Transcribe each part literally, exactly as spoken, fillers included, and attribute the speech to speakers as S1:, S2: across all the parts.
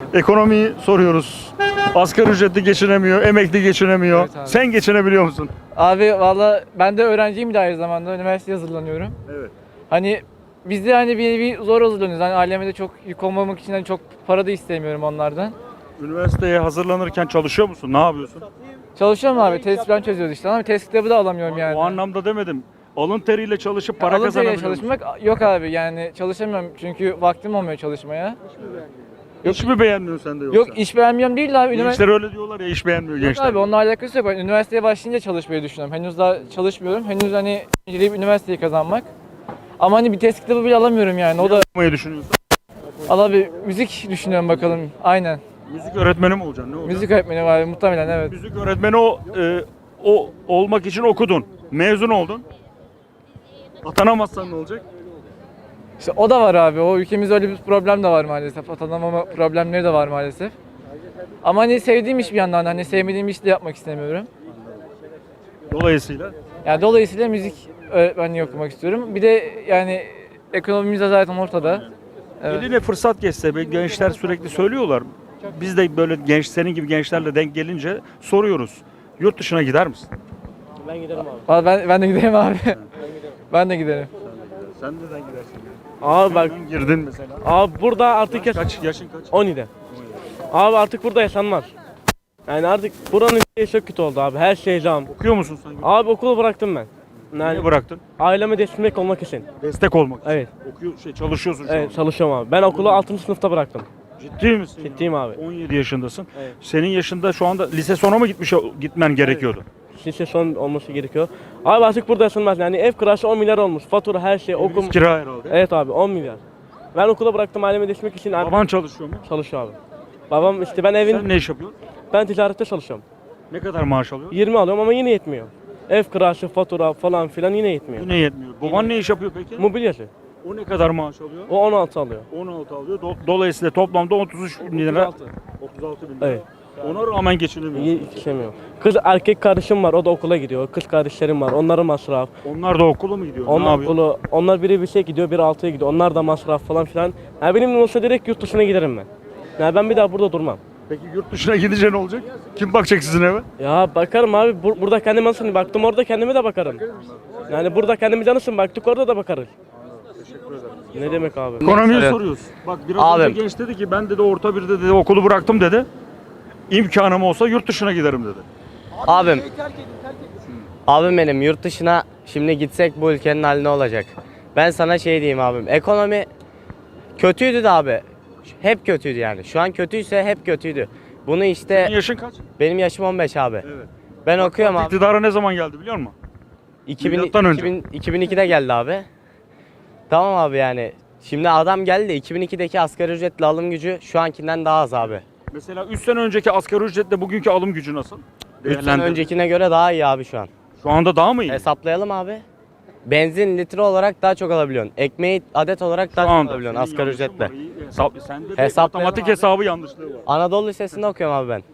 S1: Ekonomiyi soruyoruz. Asgari ücretli geçinemiyor, emekli geçinemiyor.
S2: Evet abi.
S1: Sen geçinebiliyor musun?
S2: Abi valla ben de öğrenciyim de aynı zamanda. Üniversiteye hazırlanıyorum.
S1: Evet.
S2: Hani biz de hani bir, bir zor hazırlanıyoruz. Hani aileme de çok yük olmamak için hani çok para da istemiyorum onlardan.
S1: Üniversiteye hazırlanırken çalışıyor musun? Ne yapıyorsun?
S2: Çalışıyorum abi. Test falan çözüyoruz işte ama test kitabı da alamıyorum yani.
S1: O anlamda demedim. Alın teriyle çalışıp para
S2: Alın teriyle
S1: kazanabiliyor musun?
S2: çalışmak yok abi. Yani çalışamıyorum çünkü vaktim olmuyor çalışmaya.
S1: Hiç mi beğenmiyorsun sen de yoksa?
S2: Yok iş beğenmiyorum değil abi. Üniversite
S1: Gençler öyle diyorlar ya, iş beğenmiyor
S2: Yok
S1: gençler.
S2: abi onunla alakası yok. Ben üniversiteye başlayınca çalışmayı düşünüyorum. Henüz daha çalışmıyorum. Henüz hani inceleyip üniversiteyi kazanmak. Ama hani bir test kitabı bile alamıyorum yani. O da
S1: Yapmayı düşünüyorsun.
S2: al abi müzik düşünüyorum bakalım. Aynen.
S1: Müzik öğretmeni mi olacaksın? Ne olacaksın?
S2: Müzik öğretmeni var muhtemelen evet.
S1: Müzik öğretmeni o, e, o olmak için okudun. Mezun oldun. Atanamazsan ne olacak?
S2: İşte o da var abi. O ülkemizde öyle bir problem de var maalesef. Atanamama problemleri de var maalesef. Ama hani sevdiğim iş bir yandan hani sevmediğim iş de yapmak istemiyorum.
S1: Dolayısıyla
S2: Yani dolayısıyla müzik öğretmenliği okumak istiyorum. Bir de yani ekonomimiz de zaten ortada. Evet.
S1: eline fırsat geçse be, gençler sürekli söylüyorlar. Biz de böyle genç, senin gibi gençlerle denk gelince soruyoruz. Yurt dışına gider misin?
S3: Ben giderim abi.
S2: Valla Ben, ben de giderim abi. Ben de giderim.
S1: Sen neden gidersin?
S3: Abi bak,
S1: Sen girdin mesela.
S3: abi burada artık yaş-
S1: Kaç yaşın kaç?
S3: on yedi. Abi artık burada yaşanmaz. Yani artık buranın şeyi çok kötü oldu abi. Her şey zam.
S1: Okuyor musun sen?
S3: Abi okulu bıraktım ben. Yani
S1: Niye bıraktın?
S3: aileme destek olmak için.
S1: Destek olmak için.
S3: Evet.
S1: Okuyor, şey, çalışıyorsun şu
S3: Evet
S1: an.
S3: çalışıyorum abi. Ben okulu altıncı sınıfta bıraktım.
S1: Ciddi misin? ya?
S3: Ciddiyim abi.
S1: on yedi yaşındasın.
S3: Evet.
S1: Senin yaşında şu anda lise sona mı gitmiş gitmen gerekiyordu?
S3: Lise son olması gerekiyor. Abi artık burada yaşanmaz. Yani ev kirası on milyar olmuş. Fatura her şey okum.
S1: Okul kira herhalde.
S3: Evet abi on milyar. Ben okula bıraktım aileme destek için. Abi,
S1: Baban çalışıyor mu?
S3: çalışıyor abi. Babam işte ben evin
S1: Sen ne iş yapıyorsun?
S3: ben ticarette çalışıyorum.
S1: Ne kadar maaş alıyorsun?
S3: yirmi alıyorum ama yine yetmiyor. Ev kirası, fatura falan filan yine yetmiyor.
S1: Yine yetmiyor. Baban ne iş yapıyor peki?
S3: Mobilyacı.
S1: O ne kadar maaş alıyor?
S3: O on altı alıyor.
S1: on altı alıyor. Do- Dolayısıyla toplamda otuz üç bin lira.
S3: otuz altı.
S1: otuz altı bin lira.
S3: Evet.
S1: Ona rağmen geçinemiyor.
S3: Yetişemiyor. Kız erkek kardeşim var, o da okula gidiyor. Kız kardeşlerim var, onların masraf.
S1: Onlar da okula mı gidiyor? ne
S3: Onlar
S1: yapıyor?
S3: okulu, onlar biri bir şey gidiyor, biri altıya gidiyor. Onlar da masraf falan filan. Yani benim olsa direkt yurt dışına giderim ben. Yani ben bir daha burada durmam.
S1: Peki yurt dışına gidince ne olacak? Kim bakacak sizin eve?
S3: Ya bakarım abi, bur- burada kendime nasıl baktım, orada kendime de bakarım. Yani burada kendimiz nasıl baktık, orada da bakarız. Ne demek abi?
S1: Ekonomiyi
S4: Evet.
S1: soruyoruz. Bak biraz
S4: Abi.
S1: önce genç dedi ki ben dedi orta birde dedi okulu bıraktım dedi. İmkanım olsa yurt dışına giderim dedi.
S4: Abim. Abim benim yurt dışına şimdi gitsek bu ülkenin hali ne olacak? Ben sana şey diyeyim abim. Ekonomi kötüydü de abi. Hep kötüydü yani. Şu an kötüyse hep kötüydü. Bunu işte
S1: Senin yaşın kaç?
S4: benim yaşım on beş abi.
S1: Evet.
S4: Ben okuyorum abi.
S1: İktidara ne zaman geldi biliyor musun?
S4: iki bin,
S1: milattan önce.
S4: iki bin, iki bin ikide geldi abi. Tamam abi yani. Şimdi adam geldi. iki bin ikideki asgari ücretli alım gücü şu ankinden daha az abi.
S1: Mesela üç sene önceki asgari ücretle bugünkü alım gücü nasıl?
S4: üç sene
S1: Değerlendir.
S4: öncekine göre daha iyi abi şu an.
S1: Şu anda daha mı iyi?
S4: Hesaplayalım abi. Benzin litre olarak daha çok alabiliyorsun. Ekmeği adet olarak daha
S1: Şu
S4: çok
S1: anda.
S4: alabiliyorsun
S1: Senin
S4: asgari
S1: yanlışın
S4: ücretle.
S1: var, iyi. Hesap, sende de
S4: Hesaplayalım
S1: matematik
S4: abi.
S1: hesabı yanlışlığı var.
S4: Anadolu Lisesi'nde okuyorum abi ben.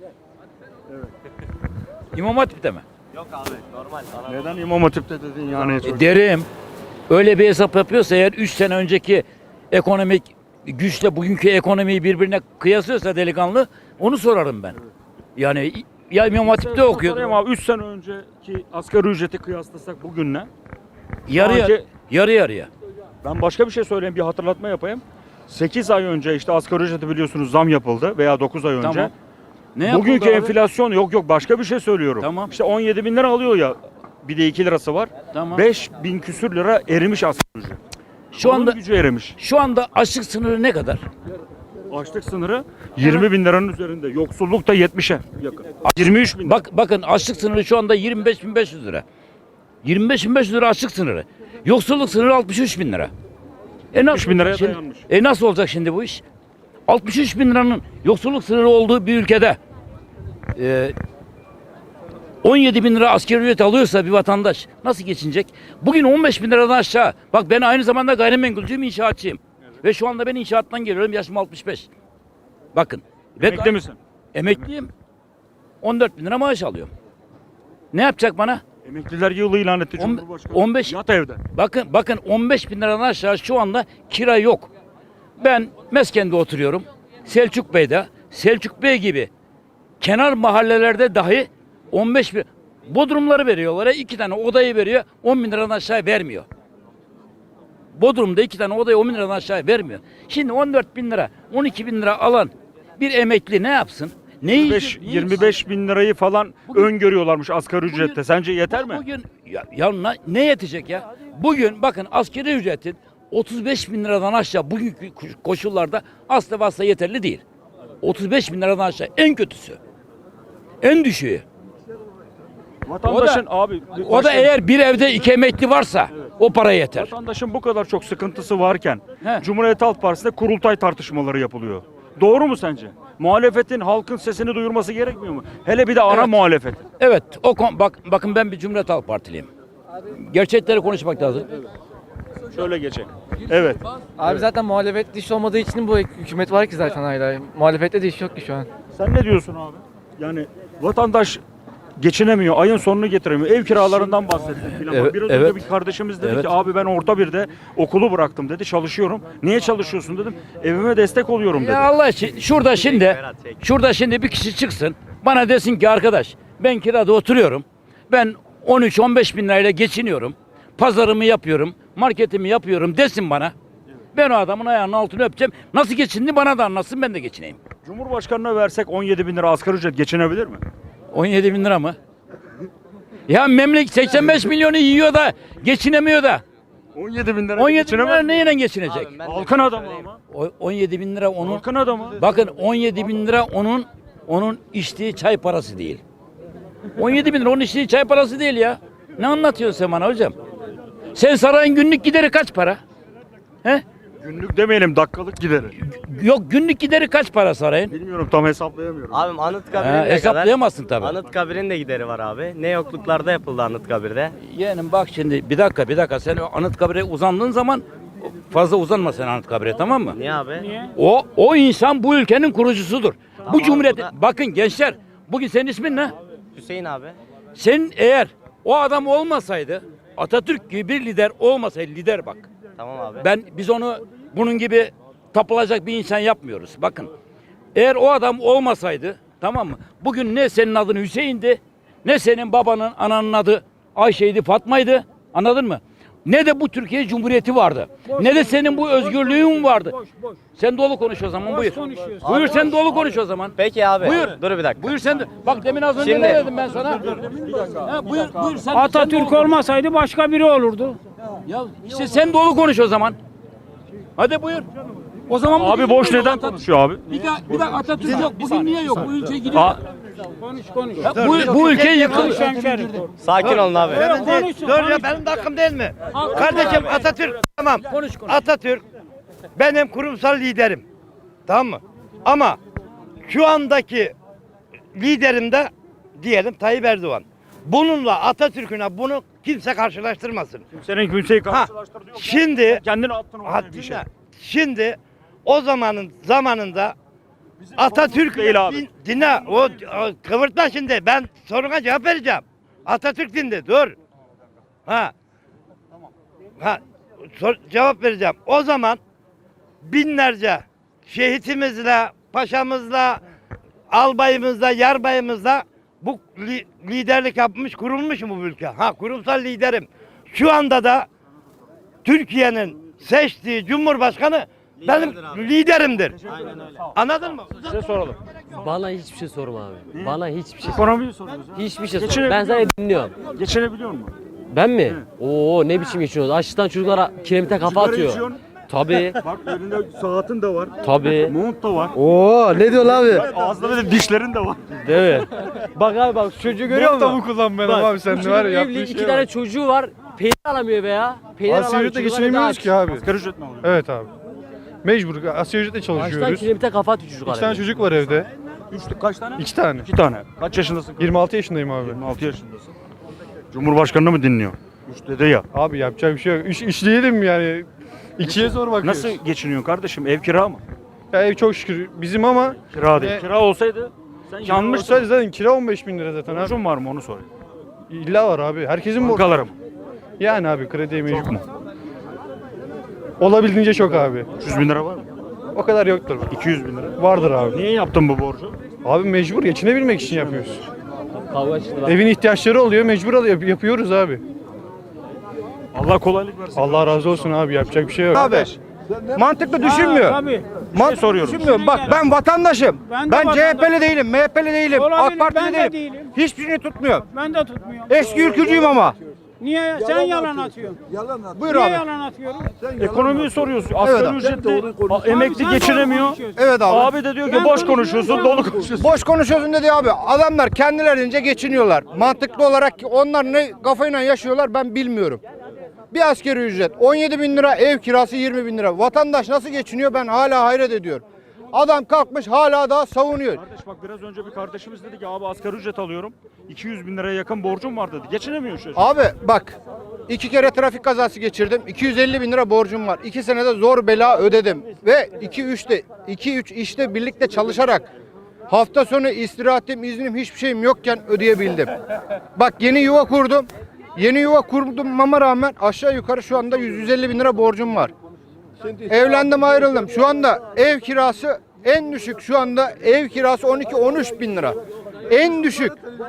S5: İmam Hatip'te mi?
S4: Yok abi normal.
S1: Neden İmam Hatip'te dedin yani?
S5: E, derim. Öyle bir hesap yapıyorsa eğer üç sene önceki ekonomik güçle bugünkü ekonomiyi birbirine kıyaslıyorsa delikanlı onu sorarım ben. Yani ya İmam Hatip'te okuyordum.
S1: Ama üç sene önceki asgari ücreti kıyaslasak bugünle.
S5: Yarı
S1: Şu
S5: yarı,
S1: anki-
S5: yarı yarıya.
S1: Ben başka bir şey söyleyeyim, bir hatırlatma yapayım. sekiz ay önce işte asgari ücreti biliyorsunuz zam yapıldı veya dokuz ay önce.
S5: Tamam. Ne
S1: Bugünkü
S5: yapıldı abi?
S1: enflasyon yok yok başka bir şey söylüyorum.
S5: Tamam.
S1: İşte on yedi bin lira alıyor ya, bir de iki lirası var.
S5: Tamam.
S1: beş bin küsür lira erimiş asgari ücret.
S5: Şu
S1: Alım
S5: anda
S1: gücü erimiş.
S5: şu anda açlık sınırı ne kadar?
S1: Açlık sınırı yirmi bin liranın üzerinde. Yoksulluk da yetmişe yakın. yirmi üç bin.
S5: Bak bakın açlık sınırı şu anda yirmi beş bin beş yüz lira. yirmi beş bin beş yüz lira açlık sınırı. Yoksulluk sınırı altmış üç bin lira. E nasıl,
S1: bin liraya
S5: olacak şimdi?
S1: dayanmış.
S5: E nasıl olacak şimdi bu iş? altmış üç bin liranın yoksulluk sınırı olduğu bir ülkede e, on yedi bin lira asgari ücret alıyorsa bir vatandaş nasıl geçinecek? Bugün on beş bin liradan aşağı. Bak ben aynı zamanda gayrimenkulcüyüm, inşaatçıyım. Ve şu anda ben inşaattan geliyorum, yaşım altmış beş. Bakın. Ve
S1: Emekli misin?
S5: Emekliyim. on dört bin lira maaş alıyorum. Ne yapacak bana?
S1: Emekliler yılı ilan etti
S5: On-
S1: Cumhurbaşkanı.
S5: on beş
S1: Yat evde.
S5: Bakın bakın on beş bin liradan aşağı şu anda kira yok. Ben Mesken'de oturuyorum. Selçuk Bey'de. Selçuk Bey gibi kenar mahallelerde dahi on beş bin Bodrumları veriyorlar. iki tane odayı veriyor. on bin liradan aşağı vermiyor. Bodrum'da iki tane odayı on bin liradan aşağı vermiyor. Şimdi on dört bin lira, on iki bin lira alan bir emekli ne yapsın? Ne
S1: yirmi beş,
S5: yiyecek, ne
S1: yirmi beş bin lirayı falan
S5: Bugün-
S1: öngörüyorlarmuş asgari
S5: Bugün-
S1: ücrette. Sence yeter mi?
S5: Bugün ya, ya na- ne yetecek ya? Bugün bakın asgari ücretin otuz beş bin liradan aşağı bugünkü koşullarda asla ve asla yeterli değil. otuz beş bin liradan aşağı en kötüsü. En düşüğü.
S1: Vatandaşın abi
S5: O da eğer bir evde iki emekli varsa o para yeter.
S1: vatandaşın bu kadar çok sıkıntısı varken
S5: He.
S1: Cumhuriyet Halk Partisi'nde kurultay tartışmaları yapılıyor. Doğru mu sence? Muhalefetin halkın sesini duyurması gerekmiyor mu? Hele bir de ana
S5: Evet.
S1: muhalefet.
S5: Evet, o kon- bak bakın ben bir Cumhuriyet Halk Partiliyim. Gerçekleri konuşmak lazım.
S1: Şöyle geçelim. Evet.
S2: Abi zaten muhalefet iş olmadığı için bu hükümet var ki zaten hala. Muhalefette de iş yok ki şu an.
S1: Sen ne diyorsun abi? Yani vatandaş geçinemiyor, ayın sonunu getiremiyor. Ev kiralarından bahsettik filan.
S5: Evet,
S1: Biraz
S5: evet.
S1: önce bir kardeşimiz dedi
S5: Evet.
S1: ki abi ben orta birde okulu bıraktım dedi, çalışıyorum. Niye çalışıyorsun dedim. Evime destek oluyorum dedi.
S5: Ya Allah için şurada şimdi şurada şimdi bir kişi çıksın bana desin ki arkadaş ben kirada oturuyorum. Ben on üç on beş bin lirayla geçiniyorum. Pazarımı yapıyorum, marketimi yapıyorum desin bana. Ben o adamın ayağının altını öpeceğim. Nasıl geçindi bana da anlatsın ben de geçineyim.
S1: Cumhurbaşkanına versek on yedi bin lira asgari ücret geçinebilir mi?
S5: on yedi bin lira mı? Ya memleket seksen beş milyonu yiyor da geçinemiyor da.
S1: on yedi bin lira
S5: on yedi bin
S1: geçinemez
S5: lira
S1: mi?
S5: neyle geçinecek?
S4: Abi ben de
S1: Halkın adamı
S4: söyleyeyim.
S1: ama.
S5: O- on yedi bin lira onun.
S1: Halkın adamı.
S5: Bakın on yedi bin lira onun onun içtiği çay parası değil. on yedi bin lira onun içtiği çay parası değil ya. Ne anlatıyorsun sen bana hocam? Sen sarayın günlük gideri kaç para? He?
S1: Günlük demeyelim, dakikalık gideri.
S5: Yok günlük gideri kaç para sarayın?
S1: Bilmiyorum, tam hesaplayamıyorum.
S4: Abim Anıtkabir'in
S5: Ha,
S4: ne kadar?
S5: hesaplayamazsın tabii.
S4: Anıtkabir'in de gideri var abi. Ne yokluklarda yapıldı Anıtkabir'de.
S5: Yeğenim bak şimdi bir dakika bir dakika sen o Anıtkabir'e uzandığın zaman fazla uzanma sen Anıtkabir'e tamam mı?
S4: Niye abi?
S5: O o insan bu ülkenin kurucusudur. bu cumhuriyet
S4: bu da-
S5: bakın gençler bugün senin ismin ne?
S4: Hüseyin abi.
S5: Sen eğer o adam olmasaydı Atatürk gibi bir lider olmasaydı lider bak.
S4: Tamam abi.
S5: Ben biz onu bunun gibi tapılacak bir insan yapmıyoruz. Bakın. Eğer o adam olmasaydı tamam mı? Bugün ne senin adın Hüseyin'di, ne senin babanın ananın adı Ayşe'ydi, Fatma'ydı. Anladın mı? Ne de bu Türkiye Cumhuriyeti vardı. ne de senin bu özgürlüğün vardı. Sen dolu konuş o zaman buyur. Buyur sen dolu konuş o zaman.
S4: Peki abi.
S5: Buyur.
S4: Dur bir dakika.
S5: Buyur sen de. Bak demin az önce
S4: Şimdi-
S5: ne dedim ben sana? Ha, buyur buyur sen.
S6: Atatürk
S5: sen dolu-
S6: olmasaydı başka biri olurdu.
S5: Ya işte sen dolu konuş o zaman. Hadi buyur. O zaman
S1: Abi
S5: bugün
S1: boş
S5: niye
S1: neden
S5: yok Atatürk?
S1: konuşuyor abi?
S5: Bir dakika, bir dakika Atatürk yok. Bugün niye yok? Bu ülke gidiyor.
S1: Aa,
S6: Konuş konuş.
S5: Ya bu, bu ülke yıkılıyor.
S6: Hemşerim.
S4: Sakin olun abi.
S6: Konuşsun,
S7: Dur ya
S6: konuş.
S7: benim de hakkım değil mi? Kardeşim Atatürk tamam.
S5: Konuş konuş.
S7: Atatürk benim kurumsal liderim. Tamam mı? Ama şu andaki liderim de diyelim Tayyip Erdoğan. Bununla Atatürk'üne bunu kimse karşılaştırmasın.
S1: senin kimseyi
S7: Ha,
S1: karşılaştırdı yok.
S7: şimdi
S1: Kendini attın ortaya
S7: ha,
S1: bir şey.
S7: dinle. Şimdi o zamanın zamanında Atatürk
S1: değil abi.
S7: din- dinle o, o kıvırtma şimdi ben soruna cevap vereceğim. Atatürk dindi dur. Ha. Ha sor- cevap vereceğim. O zaman binlerce şehitimizle, paşamızla, albayımızla, yarbayımızla bu li- liderlik yapmış, kurulmuş mu bu ülke? Ha kurumsal liderim. Şu anda da Türkiye'nin seçtiği Cumhurbaşkanı benim liderimdir. Anladın mı?
S1: Size soralım.
S8: Bana hiçbir şey sorma abi. Bana hiçbir şey
S1: Ekonomiyi soruyoruz. ha.
S8: hiçbir şey
S1: Geçinebiliyor
S8: sorma. Ben sana
S1: musun?
S8: dinliyorum.
S1: Geçinebiliyor musun?
S8: Ben mi? Oo ne biçim geçiyoruz? Açlıktan çocuklara kiremite kafa
S1: Sigara
S8: atıyor.
S1: içiyorsun.
S8: Tabii.
S1: Bak elinde saatin de var.
S8: Tabii.
S1: Mont da var.
S8: Oo ne diyor abi?
S1: Ağzında da dişlerin de var.
S8: Değil mi? Bak abi bak çocuğu görüyor musun?
S9: Mont da mı kullanmayalım abi sen de var ya
S8: Evli
S9: yaptığın
S8: iki
S9: şeye
S8: tane
S9: bak.
S8: çocuğu var. Peynir alamıyor be ya. Peynir
S9: Asgari
S8: alamıyor.
S9: ücretle
S8: çocuklar
S9: geçinemiyoruz
S8: evde
S9: ki abi.
S1: Asgari ücret mi alıyor?
S9: Evet abi. Mecbur asgari ücretle
S8: aç. Açtan
S9: çalışıyoruz.
S8: kiremite kafa atıyor çocuklar.
S9: İki tane
S8: evde.
S9: çocuk var evde.
S1: Üçlük kaç tane?
S9: İki tane.
S1: İki tane. Kaç yaşındasın?
S9: yirmi altı yaşındayım abi.
S1: yirmi altı yaşındasın. Cumhurbaşkanını mı dinliyor? Üç dedi ya.
S9: Abi yapacak bir şey yok. Üç, üç değilim yani. İkiye zor bakıyoruz.
S1: Nasıl geçiniyorsun kardeşim? Ev kira mı?
S9: Ya ev çok şükür bizim ama
S1: Kira değil.
S9: E,
S1: Kira olsaydı sen
S9: yanlış
S1: yanmışsın.
S9: zaten kira on beş bin lira zaten abi.
S1: Borcun var mı onu sorayım.
S9: İlla var abi. Herkesin borcu.
S1: Bankalarım.
S9: Yani abi krediye
S1: Çok
S9: mecbur.
S1: mu?
S9: Olabildiğince çok abi.
S1: üç yüz bin lira var mı?
S9: O kadar yoktur.
S1: iki yüz bin lira.
S9: Vardır abi.
S1: Niye yaptın bu borcu?
S9: Abi mecbur geçinebilmek için yapıyoruz.
S8: Kavga çıktı.
S9: Evin ihtiyaçları oluyor, mecbur al- yap- yapıyoruz abi.
S1: Allah kolaylık versin.
S9: Allah razı olsun abi, yapacak bir şey yok.
S10: Abi mantıklı düşünmüyor.
S6: Tabii.
S10: Mantıklı
S1: soruyorum.
S10: düşünmüyor. Bak ben vatandaşım.
S6: Ben de
S10: Ben, C H P'li
S6: vatandaşım.
S10: değilim, M H P'li değilim,
S6: Olabilir,
S10: AK Partili
S6: ben de
S10: değilim.
S6: değilim.
S10: Hiçbirini tutmuyorum.
S6: Ben de tutmuyorum.
S10: Eski ülkücüyüm ama.
S6: Niye? Sen yalan atıyorsun.
S10: Buyur
S6: Niye
S10: abi.
S6: yalan atıyorsun?
S1: Ekonomiyi soruyorsun. Asgari
S10: abi.
S1: ücretli a-
S6: Abi
S1: emekli
S6: sen
S1: geçinemiyor.
S6: konuşuyorsun.
S10: Evet abi.
S1: Abi de diyor ki
S6: Ben
S1: boş
S6: konuşuyorum,
S1: konuşuyorsun,
S6: sen
S1: dolu
S6: konuşuyorsun.
S1: konuşuyorsun.
S10: Boş konuşuyorsun dedi abi. Adamlar kendilerince geçiniyorlar. Mantıklı olarak onlar ne kafayla yaşıyorlar ben bilmiyorum. Bir asgari ücret on yedi bin lira, ev kirası yirmi bin lira. Vatandaş nasıl geçiniyor ben hala hayret ediyorum. Adam kalkmış hala daha savunuyor.
S1: Kardeş bak biraz önce bir kardeşimiz dedi ki abi asgari ücret alıyorum. iki yüz bin liraya yakın borcum var dedi. Geçinemiyor şu an.
S10: Abi bak iki kere trafik kazası geçirdim. iki yüz elli bin lira borcum var. iki senede zor bela ödedim. Ve iki üçte iki üç işte birlikte çalışarak hafta sonu istirahatim, iznim hiçbir şeyim yokken ödeyebildim. Bak yeni yuva kurdum. Yeni yuva kurmama rağmen aşağı yukarı şu anda yüz yüz elli bin lira borcum var. Evlendim ayrıldım. Şu anda ev kirası en düşük şu anda ev kirası on iki on üç bin lira. En düşük.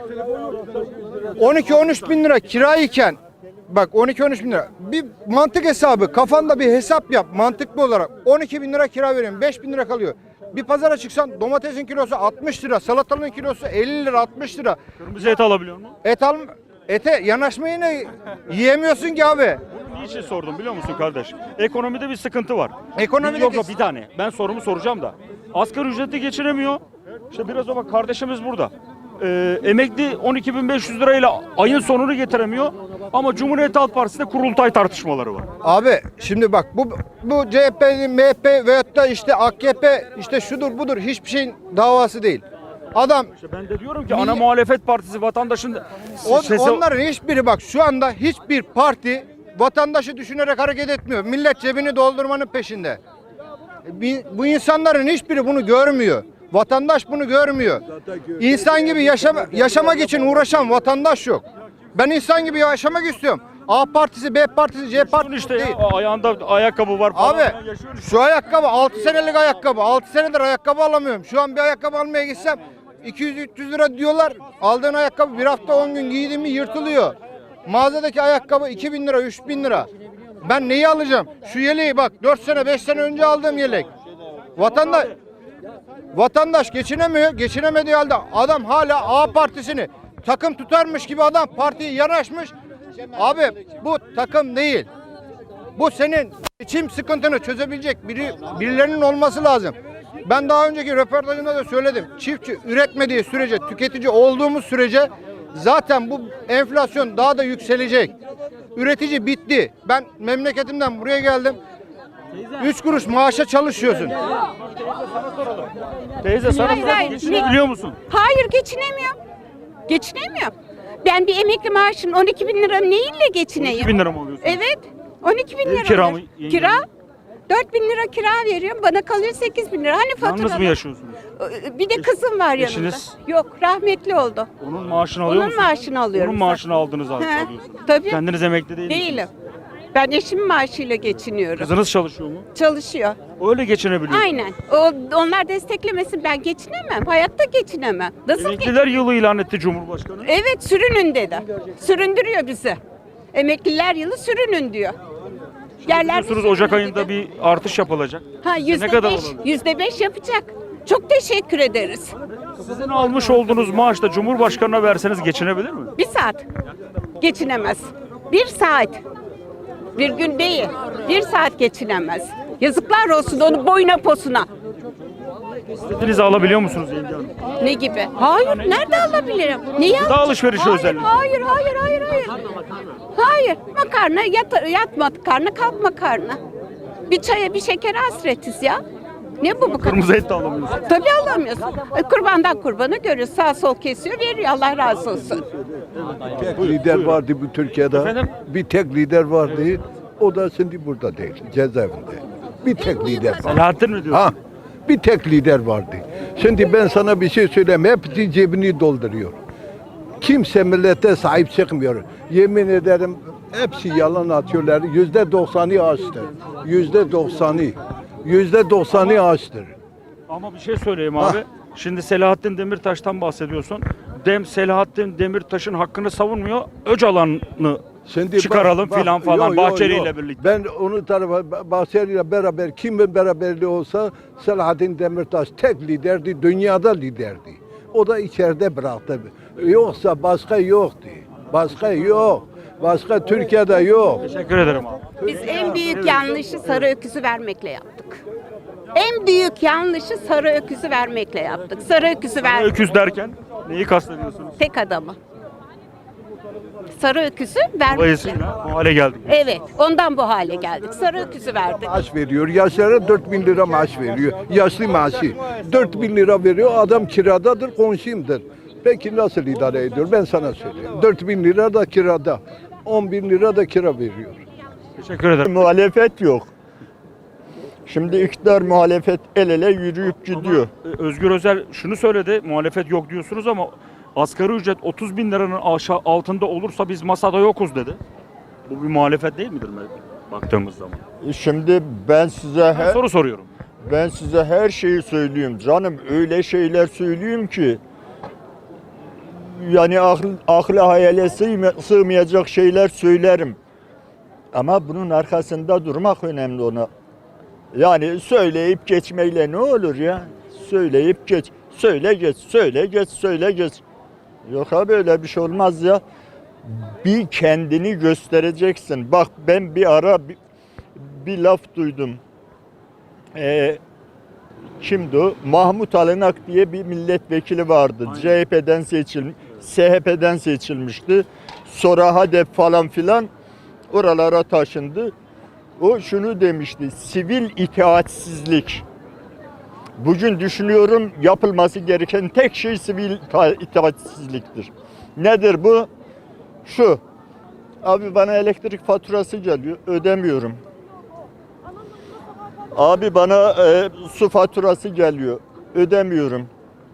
S10: on iki on üç bin lira kirayken bak on iki on üç bin lira. Bir mantık hesabı kafanda bir hesap yap mantıklı olarak. on iki bin lira kira veriyorum. beş bin lira kalıyor. Bir pazara çıksan domatesin kilosu altmış lira, salatalığın kilosu elli lira, altmış lira.
S1: Kırmızı et alabiliyor musun?
S10: Et al ete yanaşmayı ne yiyemiyorsun ki abi.
S1: Niçin sordum biliyor musun kardeş? Ekonomide bir sıkıntı var.
S10: Ekonomide
S1: yok yok
S10: kes-
S1: bir tane. Ben sorumu soracağım da. Asgari ücretli geçinemiyor. İşte biraz o bak kardeşimiz burada. Ee, emekli on iki bin beş yüz lirayla ayın sonunu getiremiyor. Ama Cumhuriyet Halk Partisi'nde kurultay tartışmaları var.
S10: Abi şimdi bak bu bu C H P'nin M H P veyahut da işte A K P işte şudur budur hiçbir şeyin davası değil. Adam
S1: İşte ben de diyorum ki ana muhalefet partisi vatandaşın
S10: on,
S1: sesi-
S10: onların hiçbiri bak şu anda hiçbir parti vatandaşı düşünerek hareket etmiyor. Millet cebini doldurmanın peşinde. Bi- Bu insanların hiçbiri bunu görmüyor. Vatandaş bunu görmüyor. İnsan gibi yaşama, yaşamak için uğraşan vatandaş yok. Ben insan gibi yaşamak istiyorum. A partisi, B partisi, C partisi
S1: işte
S10: değil.
S1: ya, ayağında ayakkabı var falan.
S10: Abi
S1: Yaşıyorsun.
S10: şu ayakkabı altı senelik ayakkabı. altı senedir ayakkabı alamıyorum. Şu an bir ayakkabı almaya gitsem iki yüz üç yüz lira diyorlar. Aldığın ayakkabı bir hafta on gün giydiğin mi yırtılıyor. Mağazadaki ayakkabı iki bin lira, üç bin lira. Ben neyi alacağım? Şu yeleği bak dört sene beş sene önce aldığım yelek. Vatandaş Vatandaş geçinemiyor. Geçinemediği halde adam hala A partisini takım tutarmış gibi adam partiye yanaşmış. Abi bu takım değil. Bu senin geçim sıkıntını çözebilecek biri, birilerinin olması lazım. Ben daha önceki röportajımda da söyledim. Çiftçi üretmediği sürece, tüketici olduğumuz sürece zaten bu enflasyon daha da yükselecek. Üretici bitti. Ben memleketimden buraya geldim. Üç kuruş maaşa çalışıyorsun.
S1: Teyze sana
S11: Hayır, hayır.
S1: geçinebiliyor musun?
S11: Hayır geçinemiyorum. Geçinemiyorum. Ben bir emekli maaşın on iki bin lira neyle geçineyim?
S1: iki bin lira mı alıyorsun?
S11: Evet. on iki bin
S1: Ev
S11: lira.
S1: kira mı?
S11: alıyor. Kira? dört bin lira kira veriyorum. Bana kalıyor sekiz bin lira. Hani fatura?
S1: Yalnız mı yaşıyorsunuz?
S11: Bir de kızım var yanımda.
S1: Eşiniz?
S11: Yok rahmetli oldu.
S1: Onun maaşını alıyor
S11: Onun
S1: musun?
S11: maaşını alıyorum.
S1: Onun maaşını aldınız abi.
S11: He,
S1: alıyorsunuz.
S11: tabii.
S1: Kendiniz emekli değil misiniz?
S11: Değilim. Ben eşimin maaşıyla geçiniyorum.
S1: Kızınız çalışıyor mu?
S11: Çalışıyor.
S1: Öyle geçinebiliyor.
S11: Aynen. O, onlar desteklemesin ben geçinemem. Hayatta geçinemem. Nasıl geç-
S1: Emekliler yılı ilan etti Cumhurbaşkanı.
S11: Evet sürünün dedi. Süründürüyor bizi. Emekliler yılı sürünün diyor. Yerler
S1: Biliyorsunuz Ocak ayında bir artış yapılacak.
S11: Ha yüzde
S1: ne kadar
S11: beş,
S1: olabilir?
S11: yüzde beş yapacak. Çok teşekkür ederiz.
S1: Sizin almış olduğunuz maaşla Cumhurbaşkanı'na verseniz geçinebilir mi?
S11: Bir saat geçinemez. Bir saat. Bir gün değil. Bir saat geçinemez. Yazıklar olsun onun boyuna posuna.
S1: İstediğinizi alabiliyor musunuz Yenge Hanım?
S11: Ne gibi? Hayır. Nerede alabilirim? Niye?
S1: Gıda alışverişi
S11: hayır,
S1: özellikle.
S11: Hayır, hayır, hayır, hayır. Hayır. Makarna, yat, yatma karnı, kalkma karnı. Bir çaya, bir şekere hasretiz ya. Ne bu bu kadar?
S1: Kırmızı et de alamıyorsunuz.
S11: Tabii alamıyorsun. E, Kurbandan kurbanı görüyoruz. Sağ sol kesiyor, veriyor. Allah razı olsun.
S12: Tek lider vardı bu Türkiye'de.
S1: Efendim?
S12: Bir tek lider vardı. O da şimdi burada değil. Cezaevinde. Bir tek lider var.
S1: Selahattin mi diyor?
S12: Ha. Bir tek lider vardı. Şimdi ben sana bir şey söyleyeyim. Hepsi cebini dolduruyor. Kimse millete sahip çıkmıyor. Yemin ederim hepsi yalan atıyorlar. Yüzde doksanı açtı. Yüzde doksanı. Yüzde doksanı açtır.
S1: Ama bir şey söyleyeyim abi. Şimdi Selahattin Demirtaş'tan bahsediyorsun. Dem Selahattin Demirtaş'ın hakkını savunmuyor. Öcalan'ı
S12: Şimdi
S1: çıkaralım
S12: bak-
S1: filan
S12: bak,
S1: falan
S12: yo, yo,
S1: Bahçeli
S12: yo.
S1: ile birlikte.
S12: Ben onu tarafa Bahçeli ile beraber kimin beraberliği olsa Selahattin Demirtaş tek liderdi, dünyada liderdi. O da içeride bıraktı. Yoksa başka yoktu. Başka yok. Başka Türkiye'de yok.
S1: Teşekkür ederim abi.
S11: Biz en büyük yanlışı sarı öküzü vermekle yaptık. En büyük yanlışı sarı öküzü vermekle yaptık. Sarı öküzü verdik.
S1: Öküz derken neyi kastediyorsunuz?
S11: Tek adamı. Sarı öküzü vermekle.
S1: Dolayısıyla bu hale geldik.
S11: Evet, ondan bu hale geldik. Sarı öküzü verdik.
S12: Maaş veriyor. Yaşlara dört bin lira maaş veriyor. Yaşlı maaşı. dört bin lira veriyor. Adam kiradadır, komşumdur. Peki nasıl idare ediyor? Ben sana söyleyeyim. dört bin lira da kirada. on bin lira da kira veriyor.
S1: Teşekkür ederim.
S9: Muhalefet yok. Şimdi iktidar muhalefet el ele yürüyüp gidiyor.
S1: Ee, Özgür Özel şunu söyledi. Muhalefet yok diyorsunuz ama asgari ücret otuz bin liranın aşağı altında olursa biz masada yokuz dedi. Bu bir muhalefet değil midir baktığımız zaman?
S9: Şimdi ben size
S1: Ben
S9: her,
S1: soru soruyorum.
S9: ben size her şeyi söyleyeyim canım, öyle şeyler söyleyeyim ki yani akıl, akla hayale sığma- sığmayacak şeyler söylerim. Ama bunun arkasında durmak önemli ona. Yani söyleyip geçmeyle ne olur ya? Söyleyip geç. Söyle geç, söyle geç, söyle geç. Yok abi öyle bir şey olmaz ya. Bir kendini göstereceksin. Bak ben bir ara bir, bir laf duydum. Ee, kimdi o? Mahmut Alınak diye bir milletvekili vardı.
S1: Aynen.
S9: C H P'den seçilmiş, S H P'den seçilmişti. Sonra HADEP falan filan oralara taşındı. O şunu demişti, sivil itaatsizlik. Bugün düşünüyorum yapılması gereken tek şey sivil ita- itaatsizliktir. Nedir bu? Şu, abi bana elektrik faturası geliyor, ödemiyorum. Abi bana e, su faturası geliyor, ödemiyorum.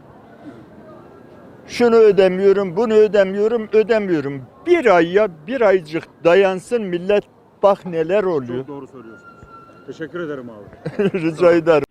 S9: Şunu ödemiyorum, bunu ödemiyorum, ödemiyorum. Bir ay ya bir aycık dayansın millet, bak neler oluyor.
S1: Çok doğru söylüyorsunuz. Teşekkür ederim abi.
S9: Rica ederim.